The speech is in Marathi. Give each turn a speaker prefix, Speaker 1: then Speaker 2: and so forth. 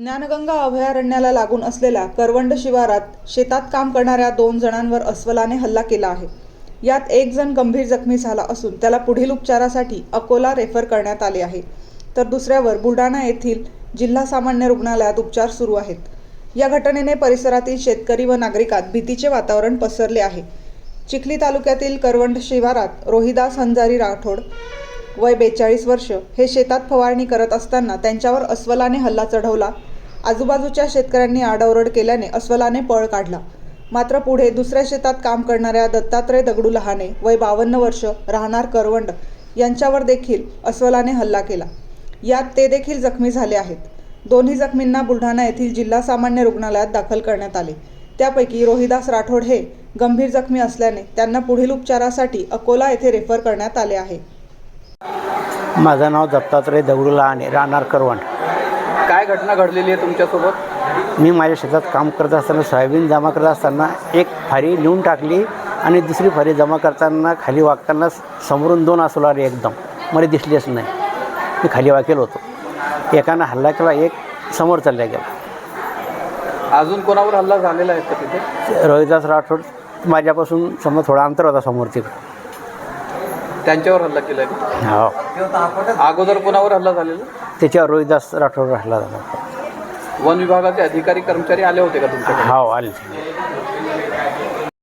Speaker 1: ज्ञानगंगा अभयारण्याला लागून असलेल्या करवंड शिवारात शेतात काम करणाऱ्या 2 जणांवर अस्वलाने हल्ला केला आहे. यात एक जण गंभीर जखमी झाला असून त्याला पुढील उपचारासाठी अकोला रेफर करण्यात आले आहे, तर दुसऱ्यावर बुलढाणा येथील जिल्हा सामान्य रुग्णालयात उपचार सुरू आहेत. या घटनेने परिसरातील शेतकरी व नागरिकांत भीतीचे वातावरण पसरले आहे. चिखली तालुक्यातील करवंड शिवारात रोहिदास हंजारी राठोड वय 42 वर्ष हे शेतात फवारणी करत असताना त्यांच्यावर अस्वलाने हल्ला चढवला. आजूबाजूच्या शेतकऱ्यांनी आरडाओरड केल्याने अस्वलाने पळ काढला. मात्र पुढे दुसऱ्या शेतात काम करणाऱ्या दत्तात्रय दगडू लहाने वय 52 वर्ष राहणार करवंड यांच्यावर देखील अस्वलाने हल्ला केला. यात ते देखील जखमी झाले आहेत. दोन्ही जखमींना बुलढाणा येथील जिल्हा सामान्य रुग्णालयात दाखल करण्यात आले. त्यापैकी रोहिदास राठोड हे गंभीर जखमी असल्याने त्यांना पुढील उपचारासाठी अकोला येथे रेफर करण्यात आले आहे.
Speaker 2: माझं नाव दत्तात्रय दगडू लहाने राहणार करवंड.
Speaker 3: काय घटना घडलेली आहे तुमच्यासोबत?
Speaker 2: मी माझ्या शेतात काम करत असताना सोयाबीन जमा करत असताना एक फारी नेऊन टाकली आणि दुसरी फारी जमा करताना खाली वागताना समोरून 2 अस्वल आले. एकदम मला दिसलेच नाही. मी खाली वाकेल होतो. एकानं हल्ला केला, एक समोर चालला गेला.
Speaker 3: अजून कोणावर हल्ला झालेला आहे का तिथे?
Speaker 2: रोहिदास राठोड माझ्यापासून समोर थोडा अंतर होता समोर तिकडं.
Speaker 3: त्यांच्यावर हल्ला केला आहे?
Speaker 2: हो.
Speaker 3: अगोदर कोणावर हल्ला झालेला?
Speaker 2: त्याच्यावर रोहिदास राठोड हल्ला झाला.
Speaker 3: वन विभागाचे अधिकारी कर्मचारी आले होते का तुमच्याकडे?
Speaker 2: हो, आले.